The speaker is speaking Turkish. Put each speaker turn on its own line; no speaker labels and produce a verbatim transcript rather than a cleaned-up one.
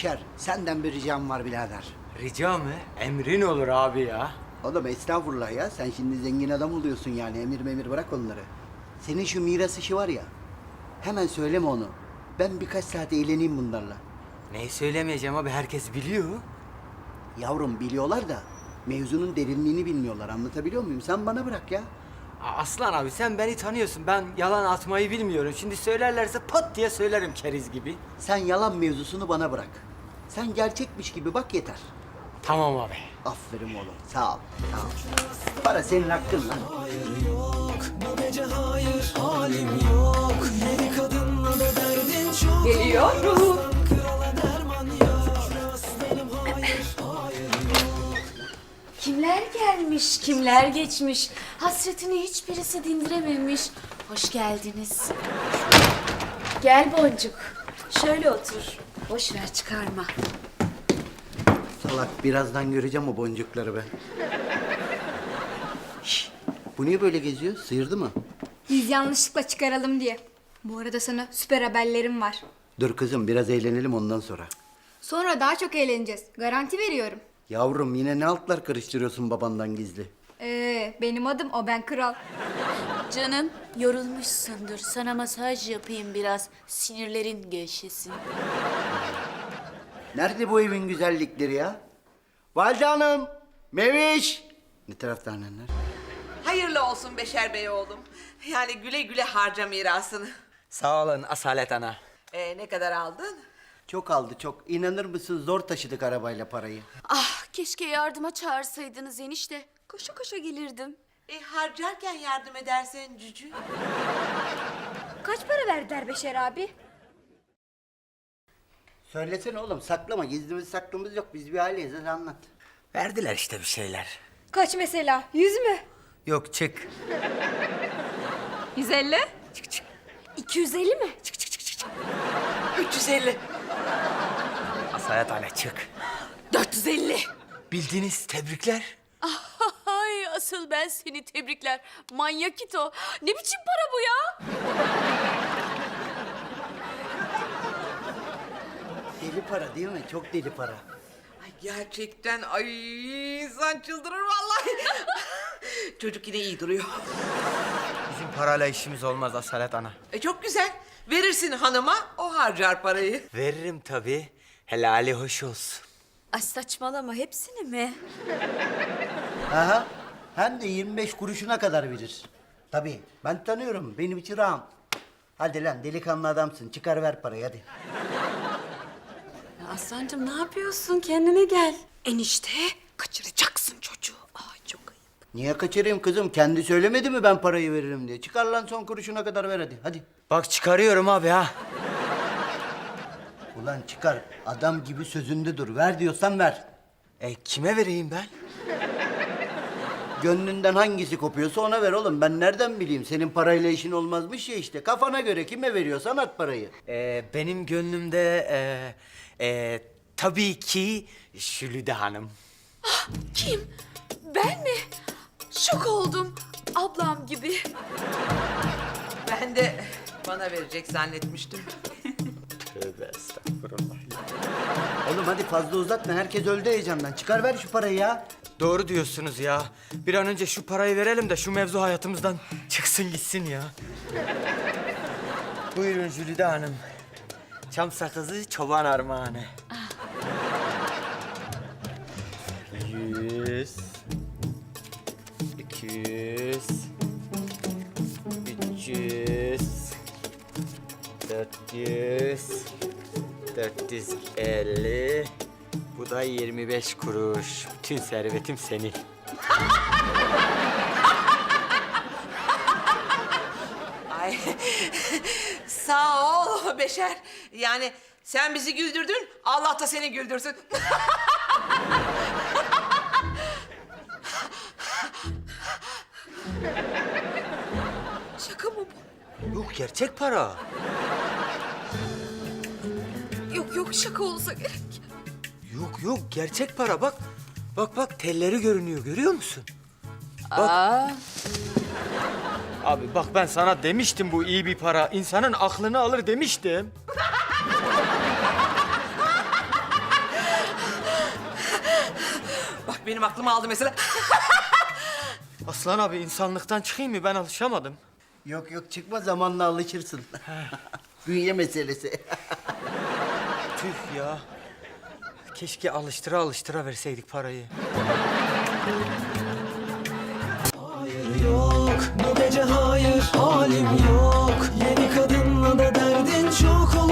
Beşer, senden bir ricam var birader.
Rica mı? Emrin olur abi ya.
Oğlum estağfurullah ya. Sen şimdi zengin adam oluyorsun yani. Emir memir bırak onları. Senin şu miras işi var ya. Hemen söyleme onu. Ben birkaç saat eğleneyim bunlarla.
Neyi söylemeyeceğim abi, herkes biliyor.
Yavrum biliyorlar da mevzunun derinliğini bilmiyorlar. Anlatabiliyor muyum? Sen bana bırak ya.
Aa, Aslan abi sen beni tanıyorsun. Ben yalan atmayı bilmiyorum. Şimdi söylerlerse pat diye söylerim keriz gibi.
Sen yalan mevzusunu bana bırak. Sen gerçekmiş gibi bak yeter.
Tamam abi.
Aferin oğlum. Sağ ol. Sağ ol. Para senin hakkın lan.
Geliyorum. Kimler gelmiş, kimler geçmiş. Hasretini hiçbirisi dindirememiş. Hoş geldiniz. Gel Boncuk. Şöyle otur. Boş ver, çıkarma.
Salak birazdan göreceğim o boncukları ben. Şş, bu niye böyle geziyor? Sıyırdı mı?
Biz yanlışlıkla çıkaralım diye. Bu arada sana süper haberlerim var.
Dur kızım biraz eğlenelim ondan sonra.
Sonra daha çok eğleneceğiz. Garanti veriyorum.
Yavrum yine ne altlar karıştırıyorsun babandan gizli?
Ee, benim adım o, ben kral.
Canım, yorulmuşsundur. Sana masaj yapayım biraz. Sinirlerin gevşesin.
Nerede bu evin güzellikleri ya? Valide Hanım, Meviş. Ne tarafta annenler?
Hayırlı olsun Beşer Bey oğlum. Yani güle güle harca mirasını.
Sağ olun Asalet ana.
Ee, ne kadar aldın?
Çok aldı çok. İnanır mısın zor taşıdık arabayla parayı.
Ah, keşke yardıma çağırsaydınız enişte. Koşa koşa gelirdim.
E, harcarken yardım edersen cücü.
Kaç para verdiler Beşer abi?
Söylesene oğlum saklama. Gizlimiz saklımız yok. Biz bir aileyiz. Hadi anlat.
Verdiler işte bir şeyler.
Kaç mesela? Yüz mü?
Yok çık.
Yüz elli?
Çık çık.
İki yüz elli mi?
Çık çık çık çık.
üç yüz elli.
Asalet ana çık.
dört yüz elli.
Bildiniz, tebrikler.
Ay, asıl ben seni tebrikler. Manyak it o. Ne biçim para bu ya?
Deli para değil mi? Çok deli para.
Ay gerçekten ay insan çıldırır vallahi. Çocuk yine iyi duruyor.
Bizim parayla işimiz olmaz Asalet ana.
E, çok güzel. Verirsin hanıma, o harcar parayı.
Veririm tabii. Helali hoş olsun.
Ay saçmalama, hepsini mi?
Aha. Hem de yirmi beş kuruşuna kadar verir. Tabii. Ben tanıyorum. Benim için rahat. Hadi lan delikanlı adamsın. Çıkar ver parayı hadi.
Ya Aslancığım, ne yapıyorsun? Kendine gel. Enişte, kaçıracaksın çocuğu. Ay çok ayıp.
Niye kaçırayım kızım? Kendi söylemedi mi ben parayı veririm diye? Çıkar lan son kuruşuna kadar ver hadi. Hadi.
Bak çıkarıyorum abi ha.
Ulan çıkar. Adam gibi sözünde dur. Ver diyorsan ver.
E kime vereyim ben?
Gönlünden hangisi kopuyorsa ona ver oğlum. Ben nereden bileyim? Senin parayla işin olmazmış ya işte. Kafana göre kime veriyorsan at parayı.
E, benim gönlümde e, e, tabii ki Jülide Hanım.
Kim? Ben mi? Şok oldum. Ablam gibi.
Ben de bana verecek zannetmiştim.
Tövbe estağfurullah.
Oğlum hadi fazla uzatma. Herkes öldü heyecandan. Çıkar ver şu parayı ya.
Doğru diyorsunuz ya. Bir an önce şu parayı verelim de şu mevzu hayatımızdan çıksın gitsin ya. Buyurun Jülide Hanım. Çam sakızı çoban armağanı. Yüz. İki yüz. Üç yüz. Dört yüz. Dört yüz elli. Bu da yirmi beş kuruş. Bütün servetim senin.
Ay sağ ol Beşer. Yani sen bizi güldürdün, Allah da seni güldürsün.
Şaka mı bu?
Yok gerçek para.
Yok yok, şaka olsa gerek.
Yok yok gerçek para bak. Bak bak telleri görünüyor görüyor musun?
Aa,
Abi bak ben sana demiştim bu iyi bir para. İnsanın aklını alır demiştim.
benim aklımı aldı mesela.
Aslan abi insanlıktan çıkayım mı? Ben alışamadım.
Yok yok çıkma zamanla alışırsın. Bünye meselesi.
Tüh ya. Keşke alıştıra alıştıra verseydik parayı.
Hayır yok, bu gece hayır, halim yok. Yeni kadınla da derdin çok olur.